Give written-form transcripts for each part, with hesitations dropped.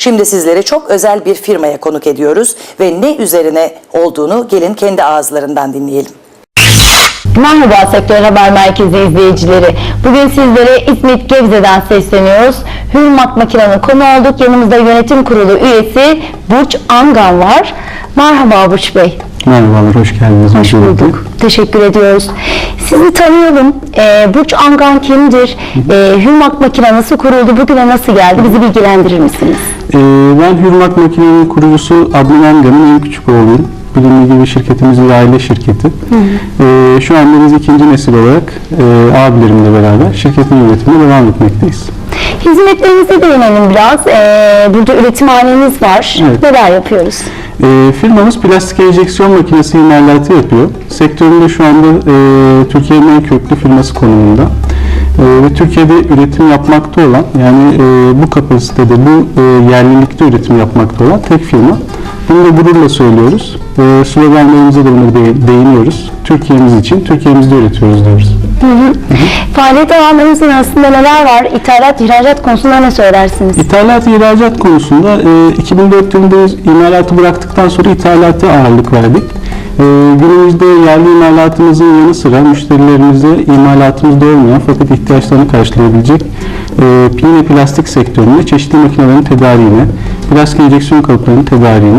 Şimdi sizlere çok özel bir firmaya konuk ediyoruz ve ne üzerine olduğunu gelin kendi ağızlarından dinleyelim. Merhaba Sektör Haber Merkezi izleyicileri. Bugün sizlere İzmit Gebze'den sesleniyoruz. Hürmak Makina'nın konu olduk. Yanımızda yönetim kurulu üyesi Burç Angan var. Merhaba Burç Bey. Merhabalar, hoş geldiniz. Hoş bulduk. Teşekkür ediyoruz. Sizi tanıyalım. Burç Angan kimdir? Hürmak Makina nasıl kuruldu? Bugüne nasıl geldi? Bizi bilgilendirir misiniz? Ben Hürmak Makina'nın kurucusu Adnan Angan'ın en küçük oğluyum. Bilimli gibi şirketimizin aile şirketi. Şu anda biz ikinci nesil olarak abilerimle beraber şirketin yönetimine devam etmekteyiz. Hizmetlerinize değinelim biraz. Burada üretimhaneniz var. Evet. Neler yapıyoruz? Firmamız plastik enjeksiyon makinesi imalatı yapıyor. Sektöründe şu anda Türkiye'nin en köklü firması konumunda. Ve Türkiye'de üretim yapmakta olan, yani bu kapasitede, bu yerlilikte üretim yapmakta olan tek firma. Bunu da gururla söylüyoruz. Sloganlarımıza da bunu değiniyoruz. Türkiye'miz için, Türkiye'mizde üretiyoruz diyoruz. Faaliyet alanlarınızın arasında neler var? İthalat, ihracat konusunda ne söylersiniz? İthalat, ihracat konusunda 2004 yılında imalatı bıraktıktan sonra ithalata ağırlık verdik. Günümüzde yerli imalatımızın yanı sıra müşterilerimize imalatımızda olmayan fakat ihtiyaçlarını karşılayabilecek yine plastik sektöründe çeşitli makinelerin tedariğine, plastik enjeksiyon kalıplarının tedariğine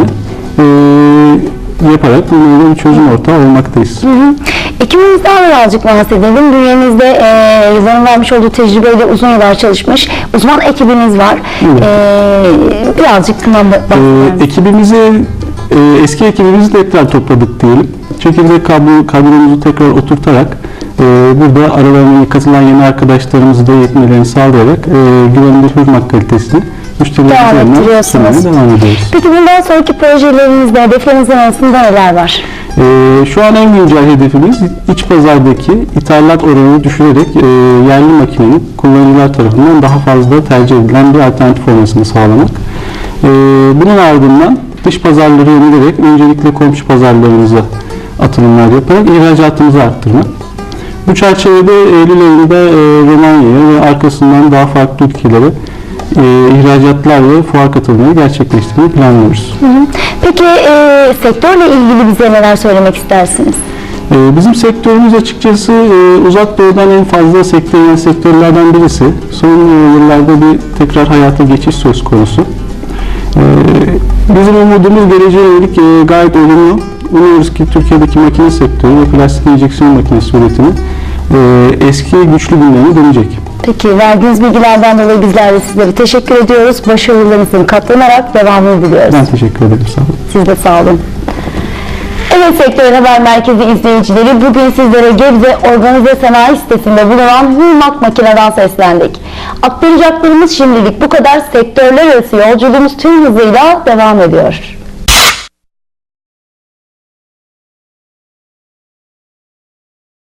yaparak bunlara bir çözüm ortağı olmaktayız. Ekibinizden birazcık bahsedelim. Bünyenizde yılların vermiş olduğu tecrübeyle uzun yıllar çalışmış uzman ekibiniz var. Evet. Birazcık bundan bahsedelim. Ekibimizi eski ekibimizi tekrar topladık diyelim. Çekirdek kadromuzu tekrar oturtarak burada aralarına katılan yeni arkadaşlarımızı da yetmelerini sağlayarak güvenilir hürmet kalitesini müşterilerimize sunmaya devam ediyoruz. Peki bundan sonraki projelerinizde, hedeflerinizin arasında neler var? Şu an en güncel hedefimiz iç pazardaki ithalat oranını düşürerek yerli makinenin kullanıcılar tarafından daha fazla tercih edilen bir alternatif olmasını sağlamak. Bunun ardından dış pazarları yönelerek öncelikle komşu pazarlarımıza atılımlar yaparak ihracatımızı arttırmak. Bu çerçevede Eylül ayında Romanya'ya ve arkasından daha farklı ülkelere ihracatlar ve fuar katılımları gerçekleştirmeyi planlıyoruz. Peki sektörle ilgili bize neler söylemek istersiniz? Bizim sektörümüz açıkçası uzak doğudan en fazla sektörel sektörlerden birisi. Son yıllarda bir tekrar hayata geçiş söz konusu. Bizim umudumuz geleceğe yönelik gayet olumlu. Umuyoruz ki Türkiye'deki makine sektörü ve plastik enjeksiyon makinesi üretimi eski güçlü günlerine dönecek. Peki verdiğiniz bilgilerden dolayı bizler de sizlere teşekkür ediyoruz. Başarılarınızın katlanarak devamını diliyoruz. Ben teşekkür ederim. Sağ olun. Siz de sağ olun. Evet Sektör Haber Merkezi izleyicileri, bugün sizlere Gebze Organize Sanayi sitesinde bulunan Hürmak Makina'dan seslendik. Aktaracaklarımız şimdilik bu kadar. Sektörler arası yolculuğumuz tüm hızıyla devam ediyor.